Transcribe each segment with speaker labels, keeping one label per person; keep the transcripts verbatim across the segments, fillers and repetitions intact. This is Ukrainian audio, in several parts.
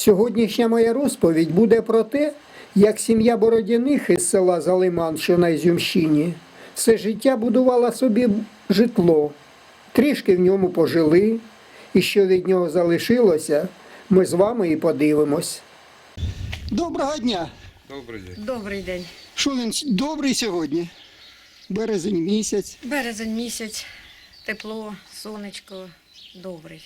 Speaker 1: Сьогоднішня моя розповідь буде про те, як сім'я Бородяних із села Залиман, що на Ізюмщині, все життя будувала собі житло, трішки в ньому пожили, і що від нього залишилося, ми з вами і подивимось. Доброго дня!
Speaker 2: Добрий день.
Speaker 3: Добрий день.
Speaker 1: Що він добрий сьогодні? Березень місяць.
Speaker 3: Березень місяць, тепло, сонечко, добрий.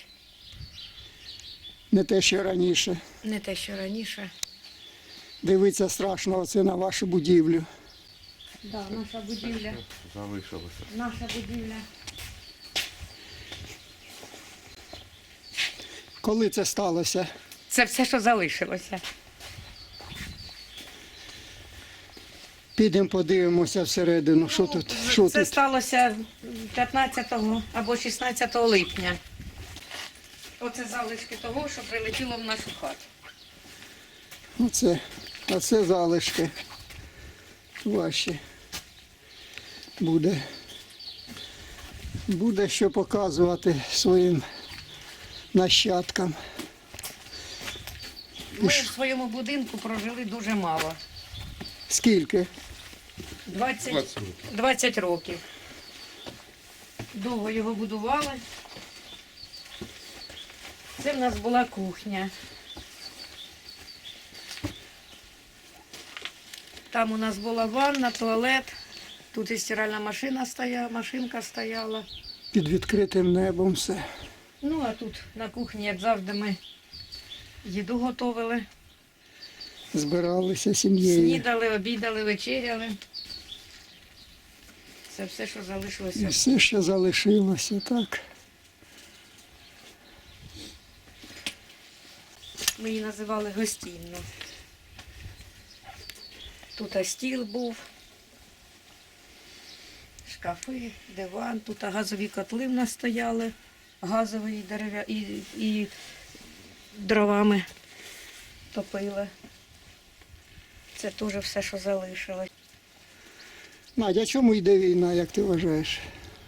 Speaker 1: Не те, що раніше.
Speaker 3: Не те, що раніше.
Speaker 1: Дивиться страшно оце на вашу будівлю.
Speaker 3: Да, наша будівля.
Speaker 2: Залишилося.
Speaker 3: Наша будівля.
Speaker 1: Коли це сталося?
Speaker 3: Це все, що залишилося.
Speaker 1: Підемо подивимося всередину, що тут, що
Speaker 3: Це
Speaker 1: тут.
Speaker 3: сталося п'ятнадцятого або шістнадцятого липня. Оце залишки того, що прилетіло в нашу хату.
Speaker 1: Оце, оце залишки ваші. Буде, буде що показувати своїм нащадкам.
Speaker 3: Ми в своєму будинку прожили дуже мало.
Speaker 1: Скільки?
Speaker 3: двадцять, двадцять років. Довго його будували. Це в нас була кухня. Там у нас була ванна, туалет. Тут і стиральна машина стояла, машинка стояла.
Speaker 1: Під відкритим небом все.
Speaker 3: Ну, а тут на кухні, як завжди, ми їду готували.
Speaker 1: Збиралися сім'єю.
Speaker 3: Снідали, обідали, вечеряли. Це все, що
Speaker 1: І
Speaker 3: залишилося.
Speaker 1: все, що залишилося, так.
Speaker 3: Ми її називали гостинно. Тут стіл був, шкафи, диван, тут газові котли в нас стояли, газові дерев'я і, і дровами топили. Це теж все, що залишилось.
Speaker 1: Надя, чому йде війна, як ти вважаєш?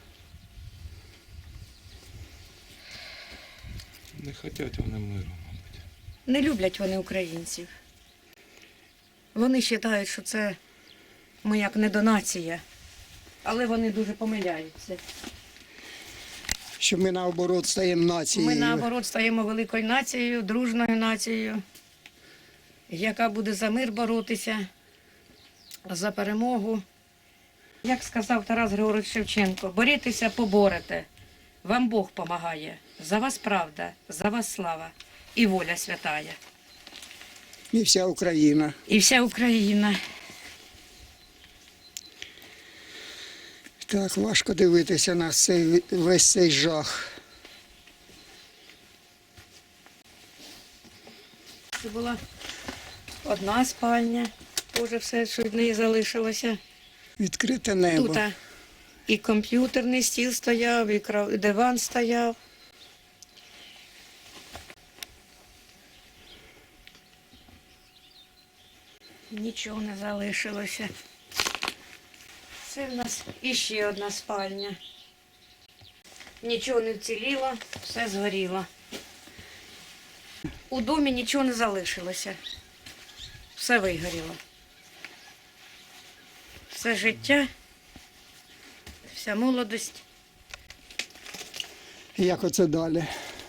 Speaker 2: Не хочуть вони миру, мабуть.
Speaker 3: Не люблять вони українців. Вони вважають, що це ми як недонація, але вони дуже помиляються.
Speaker 1: Що ми наоборот стаємо нацією.
Speaker 3: Ми наоборот стаємо великою нацією, дружною нацією, яка буде за мир боротися, за перемогу. Як сказав Тарас Григорович Шевченко, борітеся, поборете, вам Бог помагає, за вас правда, за вас слава і воля святая.
Speaker 1: І вся Україна.
Speaker 3: І вся Україна.
Speaker 1: Так, важко дивитися на цей, весь цей жах.
Speaker 3: Це була одна спальня, теж все, що від неї залишилося.
Speaker 1: Відкрите небо.
Speaker 3: Тут і комп'ютерний стіл стояв, і кров- і диван стояв. Нічого не залишилося. Це в нас іще одна спальня. Нічого не вціліло, все згоріло. У домі нічого не залишилося. Все вигоріло. Все життя, вся молодость.
Speaker 1: Як оце далі?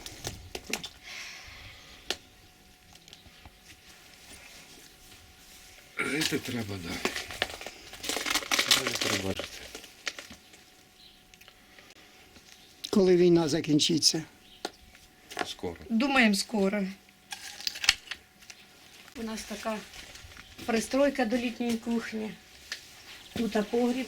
Speaker 2: Жити треба далі. Далі треба жити.
Speaker 1: Коли війна закінчиться?
Speaker 2: Скоро.
Speaker 3: Думаємо скоро. У нас така пристройка до літньої кухні. Тут погріб.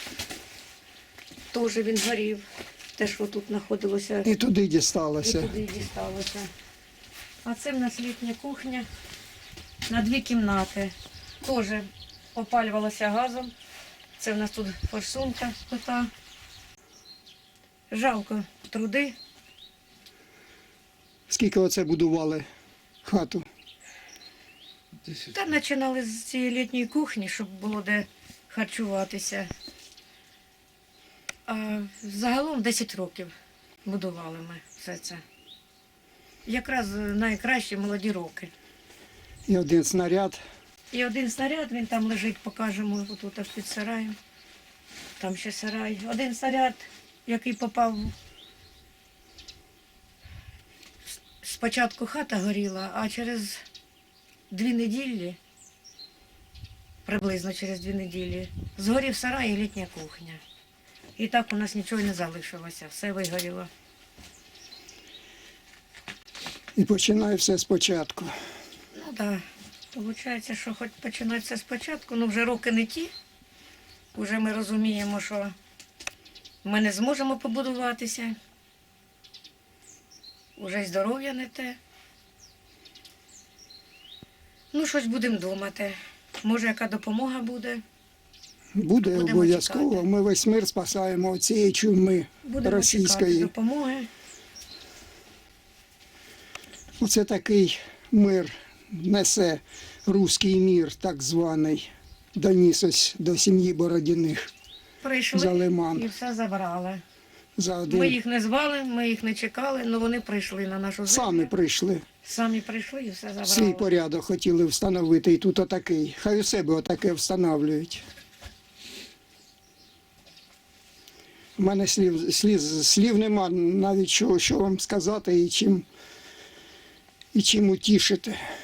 Speaker 3: Теж він горів. Те, що тут знаходилося,
Speaker 1: І туди
Speaker 3: і
Speaker 1: дісталося.
Speaker 3: туди дісталося. А це в нас літня кухня на дві кімнати. Теж опалювалася газом. Це в нас тут форсунка плита. Жалко труди.
Speaker 1: Скільки оце будували хату?
Speaker 3: Та починали з цієї літньої кухні, щоб було де харчуватися. А загалом десять років будували ми все це. якраз найкращі молоді роки.
Speaker 4: І один снаряд.
Speaker 3: І один снаряд, він там лежить, покажемо, отут аж під сараєм. Там ще сарай. Один снаряд, який попав. Спочатку хата горіла, а через дві неділі, приблизно через дві неділі, згорів сарай і літня кухня. І так у нас нічого не залишилося, все вигоріло.
Speaker 4: І починає все спочатку.
Speaker 3: Ну так, виходить, що хоч починати все спочатку, ну вже роки не ті. Уже ми розуміємо, що ми не зможемо побудуватися. Уже й здоров'я не те. Ну, щось будемо думати. Може, яка допомога буде.
Speaker 4: Буде
Speaker 3: Будемо
Speaker 4: обов'язково.
Speaker 3: чекати.
Speaker 4: Ми весь мир спасаємо від цієї чуми
Speaker 3: Будемо чекати
Speaker 4: російської.
Speaker 3: допомоги.
Speaker 4: Оце такий мир несе руський мір, так званий, доніс ось до сім'ї Бородіних
Speaker 3: Прийшли
Speaker 4: за Лиман.
Speaker 3: і все забрали.
Speaker 4: За
Speaker 3: Ми
Speaker 4: один.
Speaker 3: їх не звали, ми їх не чекали, але вони прийшли на нашу землю.
Speaker 4: Самі прийшли.
Speaker 3: Самі прийшли і все забрали.
Speaker 4: Свій порядок хотіли встановити, і тут отакий. Хай у себе отаке встановлюють. У мене слів, слів, слів нема навіть що, що вам сказати і чим, і чим утішити.